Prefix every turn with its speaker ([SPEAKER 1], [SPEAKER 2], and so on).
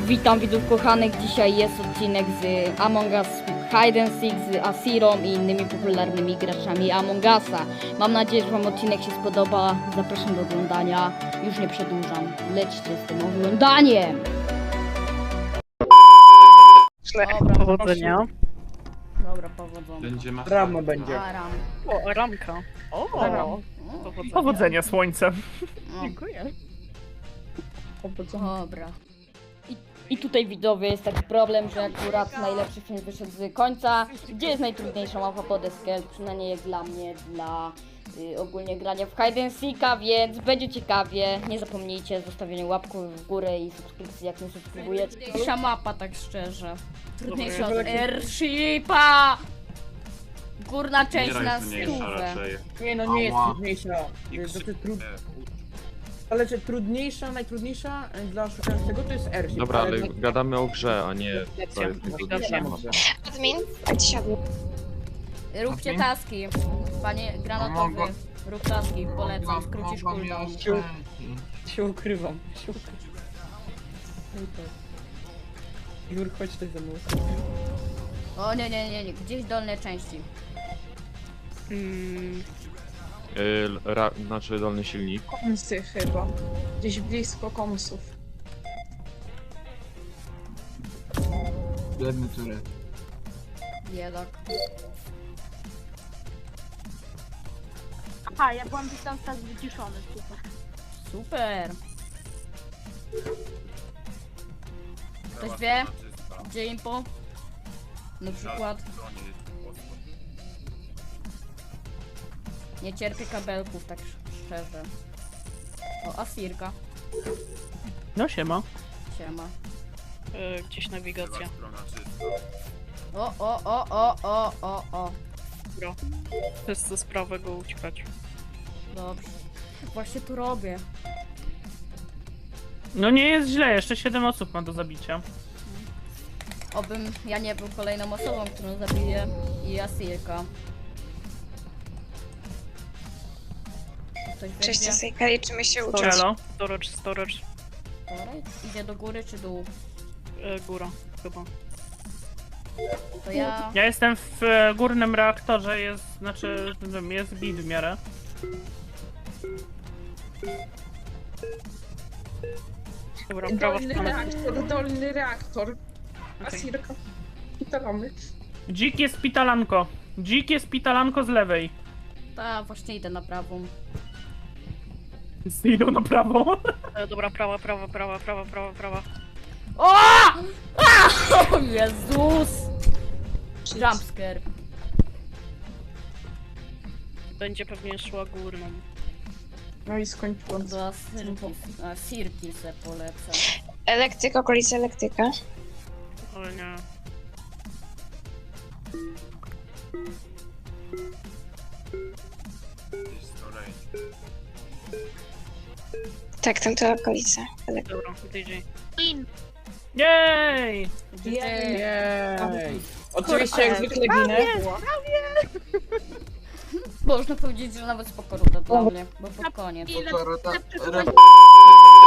[SPEAKER 1] Witam widzów kochanych, dzisiaj jest odcinek z Among Us Hide and Seek z Asirą i innymi popularnymi graczami Among Usa. Mam nadzieję, że wam odcinek się spodoba, zapraszam do oglądania, już nie przedłużam, lećcie z tym oglądaniem! Dobra,
[SPEAKER 2] Powodzenia.
[SPEAKER 1] Dobra, powodzenia.
[SPEAKER 3] Będzie
[SPEAKER 4] Ramo będzie.
[SPEAKER 1] A, ram.
[SPEAKER 2] O, ramka. O,
[SPEAKER 4] Powodzenia słońce.
[SPEAKER 1] No.
[SPEAKER 2] Dziękuję.
[SPEAKER 1] Dobra. I tutaj widzowie jest taki problem, że akurat najlepszy film wyszedł z końca. Gdzie jest najtrudniejsza mapa pod Escape? Przynajmniej jak dla mnie, dla ogólnie grania w Hide and Seeka, więc będzie ciekawie. Nie zapomnijcie zostawienia łapki w górę i subskrypcji, jak nie subskrybujecie. Trudniejsza mapa, tak szczerze. Trudniejsza od Airshipa! Górna część na stówę.
[SPEAKER 4] Nie no, nie jest
[SPEAKER 3] Ała.
[SPEAKER 4] trudniejsza. Ale że trudniejsza, najtrudniejsza dla szukającego to jest Airship.
[SPEAKER 5] Dobra, ale gadamy o grze, a nie to jest
[SPEAKER 2] Widocznie.
[SPEAKER 6] Admin, a ci siadł.
[SPEAKER 1] Róbcie
[SPEAKER 3] Admin?
[SPEAKER 1] taski. Panie granatowy, rób taski, polecam, skrócisz cooldown.
[SPEAKER 4] Się ukrywam. Jur, chodź tutaj ze mną.
[SPEAKER 1] O nie, gdzieś dolne części.
[SPEAKER 5] znaczy dolny silnik.
[SPEAKER 6] Komsy chyba. Gdzieś blisko komsów.
[SPEAKER 3] Biedny tury.
[SPEAKER 1] Biedak.
[SPEAKER 7] Aha, ja byłam gdzieś tam teraz wyciszony, super.
[SPEAKER 1] Super. Ktoś wie, gdzie impo? Na przykład. Nie cierpię kabelków, tak szczerze. O, Asirka.
[SPEAKER 2] No siema.
[SPEAKER 1] Siema.
[SPEAKER 2] Gdzieś nawigacja.
[SPEAKER 1] O.
[SPEAKER 2] Dobra. Wszyscy z prawego uciekać.
[SPEAKER 1] Dobrze. Właśnie to robię.
[SPEAKER 8] No nie jest źle, jeszcze 7 osób ma do zabicia.
[SPEAKER 1] Obym ja nie był kolejną osobą, którą zabiję. I Asirka. Ktoś
[SPEAKER 6] Cześć,
[SPEAKER 1] wie, gdzie?
[SPEAKER 6] Sejka, liczymy się uczyć.
[SPEAKER 8] Elo.
[SPEAKER 2] Storage.
[SPEAKER 1] Dobra, idzie do góry czy dół?
[SPEAKER 2] Góra, chyba.
[SPEAKER 1] To ja...
[SPEAKER 8] Ja jestem w górnym reaktorze, jest bit w miarę.
[SPEAKER 2] Dobra, prawa strona.
[SPEAKER 4] Dolny reaktor.
[SPEAKER 2] Okej.
[SPEAKER 4] Asirka. Pytalamy.
[SPEAKER 8] Dzik jest pitalanko z lewej.
[SPEAKER 1] Ta, właśnie idę na prawą.
[SPEAKER 8] Idą na prawo.
[SPEAKER 2] Dobra, prawa.
[SPEAKER 1] O! O Jezus! Jumpscare.
[SPEAKER 2] Będzie pewnie szła górną.
[SPEAKER 4] No i skończyłam.
[SPEAKER 1] Do Asirki se polecę.
[SPEAKER 6] Elektryka, okolica elektryka.
[SPEAKER 2] Ale nie.
[SPEAKER 6] Tak, tam to okolica.
[SPEAKER 2] Dobra, DJ.
[SPEAKER 8] Jej!
[SPEAKER 4] Jej. Oczywiście jak zwykle ginę.
[SPEAKER 1] Można powiedzieć, że nawet spoko runda dla mnie, bo pod koniec.